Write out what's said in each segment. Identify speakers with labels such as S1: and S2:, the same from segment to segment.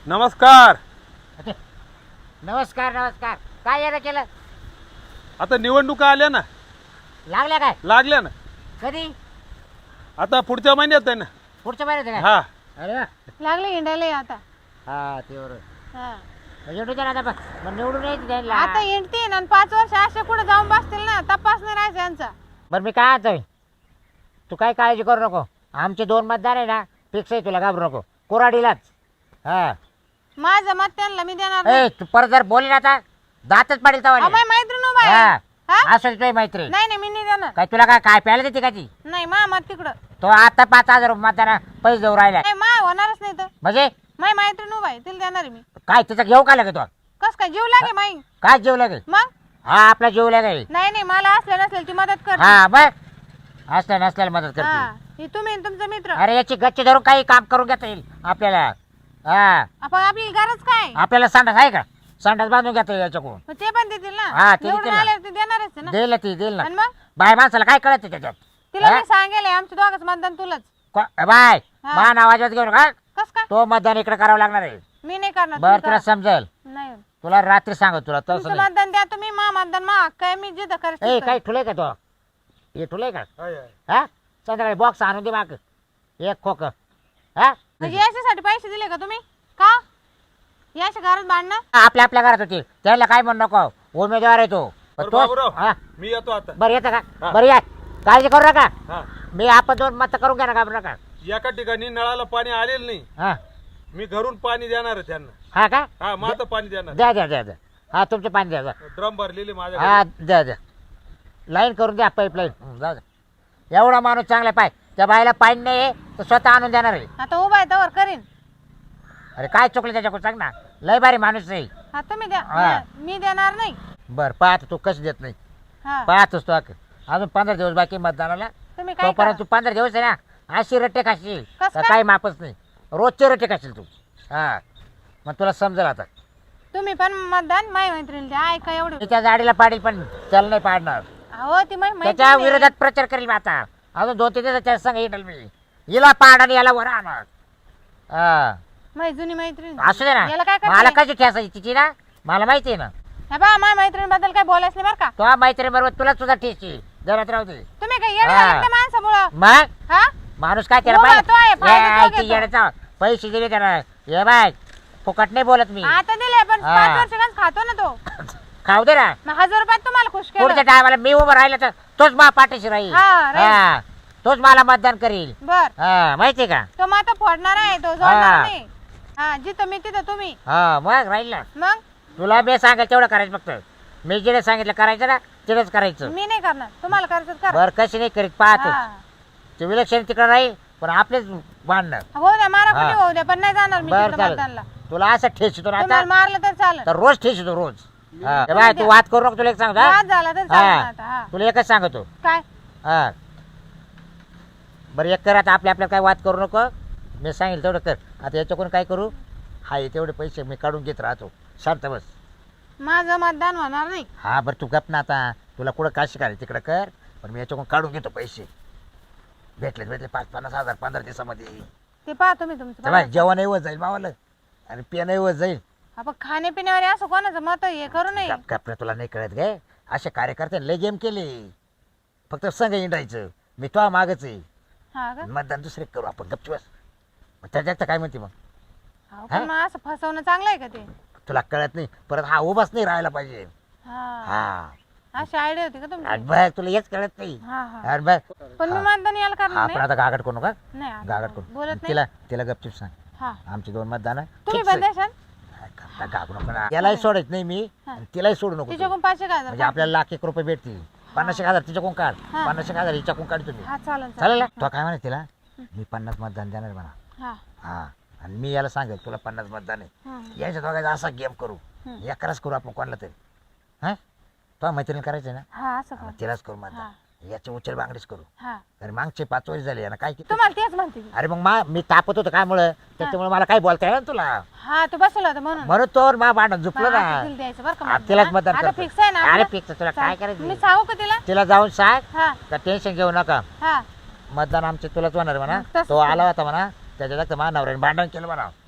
S1: नमस्कार.
S2: नमस्कार नमस्कार. काय येणं केलं?
S1: आता निवडणुका आल्या ना,
S2: लागल्या काय?
S1: लागल्या ना.
S2: कधी?
S1: आता पुढच्या महिन्यात आहे ना.
S2: पुढच्या महिन्यात आहे
S1: हा
S2: काय? अरे वा.
S3: लागले हिंडायला आता.
S2: हा ते बरोबर.
S3: हा.
S2: निवडून द्या ना आता. मग निवडून यायचं द्यायला.
S3: आता हिंडते आणि 5 वर्ष असे कुठे जाऊन बसतील ना, तपास नाही राहायचा यांचा.
S2: बरं मी काय आणतोय, तू काय काळजी करू नको. आमचे 2 मतदार आहे ना, फिक्स आहे, तुला घाबरू नको. कोराडीलाच. हा
S3: माझं मत त्यांना मी देणार नाही.
S2: ए तू परत जर बोलली ना आता दातच पाडील
S3: अहो,
S2: तवा.
S3: माझी मैत्रीण उभा आहे.
S2: हा
S3: हा?
S2: असं तुझी मैत्री.
S3: नाही नाही मी नाही देणार.
S2: काय तुला काय प्यायला देते का ती?
S3: नाही मा मत तिकडं.
S2: तो आता 5,000 मतदार पैसे देऊ राहिला
S3: नाही मा होणारच नाही तर.
S2: म्हणजे
S3: माझी मैत्रीण उभा आहे तिला देणार आहे मी.
S2: काय तिचं घेऊ का लागेल तो?
S3: कस काय जीव लागे माई?
S2: काय जेव लागेल?
S3: मग
S2: हा आपला जेव लागेल.
S3: नाही नाही मला असल्या नसलेली ती मदत कर.
S2: हा बघ असल्या नसल्याला मदत
S3: हा
S2: करते.
S3: हे तुम्ही आणि तुमचा मित्र.
S2: अरे याची गच्ची धरून काही काम करून घेता येईल आपल्याला. हा
S3: आपण आपली गरज काय?
S2: आपल्याला संडास आहे का? संडास बांधून घेता येईल याच्याकडून.
S3: मग ते पण देतील
S2: हा,
S3: ना.
S2: ते
S3: निवडून
S2: देतील ना.
S3: आल्यावर ते देणारच आहे ना.
S2: देईल ना ती देईल ना.
S3: आणि मग
S2: बाय माणसाला काय कळत त्याच्यात?
S3: तिला
S2: हा?
S3: मी सांगेल आमच्या दोघांच मतदान तुलाच.
S2: बाय
S3: हा.
S2: मान आवाजात घेऊन का
S3: कस काय?
S2: तो मतदान इकडे करावं लागणार आहे.
S3: मी नाही करणार.
S2: बर
S3: तुम्ही
S2: तुला
S3: करा.
S2: समजेल.
S3: नाही
S2: तुला रात्री सांगत तुला तसं
S3: तुमचं
S2: नाही.
S3: मतदान द्या तुम्ही मा मतदान मा काय मी जिथं
S2: ए
S3: करायचं
S2: काही ठुलय का तो? हे ठुलय का?
S1: आहे, आहे.
S2: हा संध्याकाळी बॉक्स आणून दे माग एक खोक. हा
S3: म्हणजे याच्यासाठी पैसे दिले का तुम्ही का याच्या घरात बांधणं?
S2: आपल्या आपल्या घरात होती त्याला काय म्हणू नको. उमेदवार आहे तो.
S1: बरं,
S2: तो
S1: बाबूराव,
S2: हा
S1: मी येतो आता.
S2: बरं येतं का?
S1: हा.
S2: बरं या काळजी करू नका.
S1: हा
S2: मी आपण 2 मत करून घ्या ना घाबरू नका.
S1: एका ठिकाणी नळाला पाणी आलेलं नाही,
S2: हा
S1: मी घरून पाणी देणार आहे त्यांना.
S2: हा का?
S1: हा माझं पाणी देणार.
S2: द्या द्या द्या द्या. हा तुमचे पाणी द्या द्या.
S1: ड्रम भरलेले माझ्या
S2: हा द्या द्या. लाईन करून द्या पाईपलाईन. जाऊ द्या. एवढा माणूस चांगला पाय त्या बाईला पाणी नाही तर स्वतः आणून देणार आहे.
S3: आता उभा आहे तवर करीन.
S2: अरे काय चुकलं त्याच्याकडून सांग ना. लय भारी माणूस आहे.
S3: हा तुम्ही द्या.
S2: हा.
S3: मी देणार नाही.
S2: बर पाहतो तू कसं देत नाही.
S3: हा
S2: पाहतोस तू अजून 15 दिवस बाकी मतदानाला.
S3: तुम्ही काय
S2: तोपर्यंत
S3: करा.
S2: तू 15 दिवस आहे ना अशी रट्टे खाशील
S3: कसं
S2: तर
S3: काय?
S2: काही मापच नाही. रोजचे रट्टे खाशील तू. हा मग तुला समजेल आता.
S3: तुम्ही पण मतदान माय मैत्रिणी द्या. ऐका एवढं.
S2: मी त्या गाडीला पाडील पण त्याला नाही पाडणार.
S3: हो ती माय
S2: त्याच्या
S3: मैत्रीण
S2: विरोधात प्रचार करेल मी आता. अजून 2-3 दिवसाच्या संग येईल मी. हिला पाड आणि याला वर आणणार. हा
S3: माय जुनी मैत्रीण.
S2: असू दे
S3: याला काय
S2: ना. मला
S3: करते?
S2: कशी ठेसायची तिची ना मला माहिती आहे ना.
S3: हे बा माय मैत्रीण बद्दल काय बोलायचं नाही बरं का.
S2: तो मैत्री बरोबर तुला सुद्धा ठेची जरात राहू दे.
S3: तुम्ही काय येणं
S2: हा.
S3: झालं त्या माणसामुळं.
S2: मग
S3: हा
S2: माणूस काय त्याला
S3: हो, तो आहे, फायदा तो घेतो.
S2: येण्याचा पैसे दिले त्याला. ये बाय फुकट नाही बोलत मी.
S3: आता दिले पण
S2: हा.
S3: 5 वर्षांच खातो ना तो.
S2: खाऊ दे ना.
S3: मग 1000 रुपयात तुम्हाला खुश
S2: पुढच्या
S3: केलं.
S2: टायमाला मी उभं राहिलं तर तोच मा पाठीशी राहील.
S3: हा, राहील.
S2: हा तोच मला मतदान करील.
S3: बर
S2: हा माहितीये का?
S3: तो मग आता फोडणार आहे तो जोडणार
S2: हा.
S3: नाही. हा जिथं मी तिथं तुम्ही.
S2: हा मग राहील ना.
S3: मग
S2: तुला मी सांगेल तेवढं करायचं फक्त. मी जिथे सांगितलं करायचं ना तिथेच करायचं.
S3: मी नाही करणार. तुम्हाला करायचं तर करा.
S2: बर कशी नाही करीत पाहतो.
S3: हा.
S2: ते विलक्षण तिकडे राहील पण आपलेच बांधणार.
S3: हो द्या मारा
S2: हा.
S3: कुठे होऊ द्या पण नाही जाणार मी
S2: बर
S3: तिकडं
S2: चालेल.
S3: मतदानला.
S2: तुला असं ठेचतो ना आता
S3: तुम्हाला मारलं तर चालेल.
S2: तर रोज ठेचतो रोज. हा हे बाय तू वाद करू नको. तुला एक सांगतो हा?
S3: वाद झाला तर चालेल
S2: हा.
S3: आता. हा
S2: तुला एकच सांगतो.
S3: काय
S2: हा बरं एक कर आता. आपल्या काय वाद करू नको. मी सांगेल तेवढं कर. आता याच्याकडून काय करू. हाय तेवढे पैसे मी काढून घेत राहतो. शांत बस.
S3: माझं मतदान होणार नाही.
S2: हा बरं तू गप ना आता. तुला कुठं काय शिकायला तिकडं कर. पण मी याच्याकडून काढून घेतो पैसे. भेटले 5-50 हजार 15 दिवसामध्ये.
S3: ते पहा तुम्ही तुमचं
S2: तेव्हा
S3: बघा.
S2: जेवणही वर जाईल मावाला आणि पिणंही वर जाईल.
S3: आपण खाण्यापिण्यावर असं कोणाचं मत हे करू नये.
S2: गप गप रे, तुला नाही कळत गे. असे कार्यकर्ते लय गेम केले. फक्त संघ इंडायचं. मी तो मागच आहे.
S3: हा का
S2: मतदान दुसरे करू आपण गपची बस. मग त्याच्यात काय म्हणते मग.
S3: अहो, पण मग असं फसवणं चांगलं आहे का ते.
S2: तुला कळत नाही परत हा उभाच नाही राहायला पाहिजे.
S3: हा
S2: हा
S3: अशी आयडिया होती का
S2: आणि
S3: तुमची.
S2: बघ तुला हेच कळत नाही.
S3: हा हा
S2: आणि बघ
S3: पण मी
S2: हा.
S3: मतदान याला करणार
S2: आपण
S3: नाही.
S2: आता गागड करू नका.
S3: नाही आता
S2: गागड करू.
S3: बोलत नाही.
S2: तिला गपचिप सांग.
S3: हा
S2: आमची 2 मतदान
S3: तुम्ही पण देशाल.
S2: गागू नको ना. यालाही सोडायच नाही मी
S3: हा.
S2: आणि तिलाही सोडू नको तू.
S3: तिच्याकडून 5,000
S2: म्हणजे आपल्याला ₹1,00,000 भेटतील. 50,000 तिच्याकडून काढ.
S3: हा.
S2: 50,000 हिच्याकडून काढ तुम्ही.
S3: हा चालेल
S2: चालेल ना. तो काय म्हणे तिला मी 50 मतदान देणार म्हणा.
S3: हा
S2: हा आणि मी याला सांगेल तुला 50 मतदान आहे.
S3: हा.
S2: याच्या दोघांचा असा गेम करू.
S3: हम्म.
S2: एकराच करू आपण कोणाला तरी. हा तो मैत्रीण करायचं ना.
S3: हा असं
S2: हा,
S3: कर.
S2: तिलाच करू मतदान. याचे उचल बांगडीच करू.
S3: हा
S2: अरे मागचे 5 वर्ष झाले ना काय किती.
S3: तुम्हाला तेच म्हणते मी.
S2: अरे मग मी तापत होतो काय मुळे त्याच्यामुळे मला काही बोलता येईल ना तुला.
S3: हा तू बसवला होता म्हणून.
S2: म्हणून तो मा भांडण झुपलं
S3: मग आता
S2: ना.
S3: तिला द्यायचं बरं का
S2: हा,
S3: मतदान.
S2: तिलाच मतदान
S3: आता
S2: करतो.
S3: फिक्स आहे ना
S2: अरे
S3: आपलं?
S2: फिक्स तुला
S3: चालेल.
S2: काय करायचं.
S3: मी सांगू का तिला.
S2: तिला जाऊन सांग
S3: हा
S2: का टेन्शन घेऊ नका.
S3: हा
S2: मतदान आमचे तुलाच होणार म्हणा.
S3: तसंच
S2: तो
S3: करू.
S2: आला होता म्हणा त्याच्या माझ्या नवऱ्याने भांडण केलं म्हणा.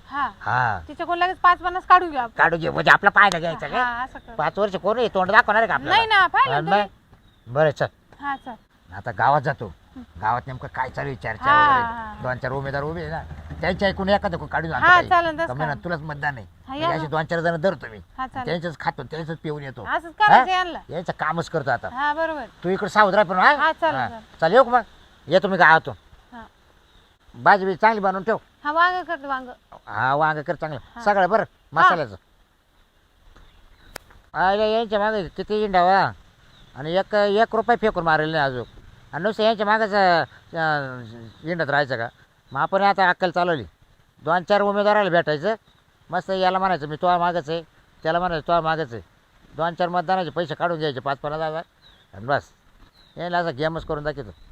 S3: हा
S2: हा
S3: तिच्याकडून लगेच 5-50 काढून घ्या आपण.
S2: काढू घे म्हणजे आपला फायदा घ्यायचा का
S3: हा असं कर.
S2: 5 वर्ष कोण आहे तोंड दाखवणार आहे का
S3: नाही ना पाहिलं
S2: आणि
S3: तुम्ही.
S2: मग? बरं चल
S3: हा चल.
S2: आता गावात जातो गावात नेमकं काय चालू आहे चर्चा
S3: हा,
S2: वगैरे
S3: हा.
S2: 2-4 उमेदवार उभे आहे ना त्यांच्या ऐकून एखादं काढून आणतो
S3: हा
S2: काही.
S3: चालेल तसं
S2: का म्हणा,
S3: करा.
S2: तुलाच मतदान आहे
S3: हा, या
S2: म्हणजे असे 2-4 जण धरतो मी
S3: हा चालेल
S2: त्यांचंच खातो त्यांचंच पिऊन येतो
S3: असंच करायचं यांना.
S2: यायचं कामच करतो आता
S3: हा बरोबर.
S2: तू इकडे सावध राह पण
S3: हा, चालेल,
S2: हा.
S3: चालेल.
S2: चल येऊ का मग येतो मी गावातून
S3: हा
S2: भाजी बी चांगली बनवून ठेव
S3: हा वांग करते वांग.
S2: हा वांग कर चांगलं
S3: हा.
S2: सगळं बरं मसाल्याचं अरे यायच्या मागे किती इंडावा आणि 1 रुपये फेकून मारेल नाही अजून आणि नुसतं यांच्या मागच इंडत राहायचं का मग आपण आता अक्कल चालवली 2-4 उमेदवाराला भेटायचं मस्त याला म्हणायचं मी तुला मागच आहे त्याला म्हणायचं तुला मागच आहे 2-4 मतदानाचे पैसे काढून घ्यायचे 5-50 हजार आणि बस यायला असं गेमच करून दाखवतो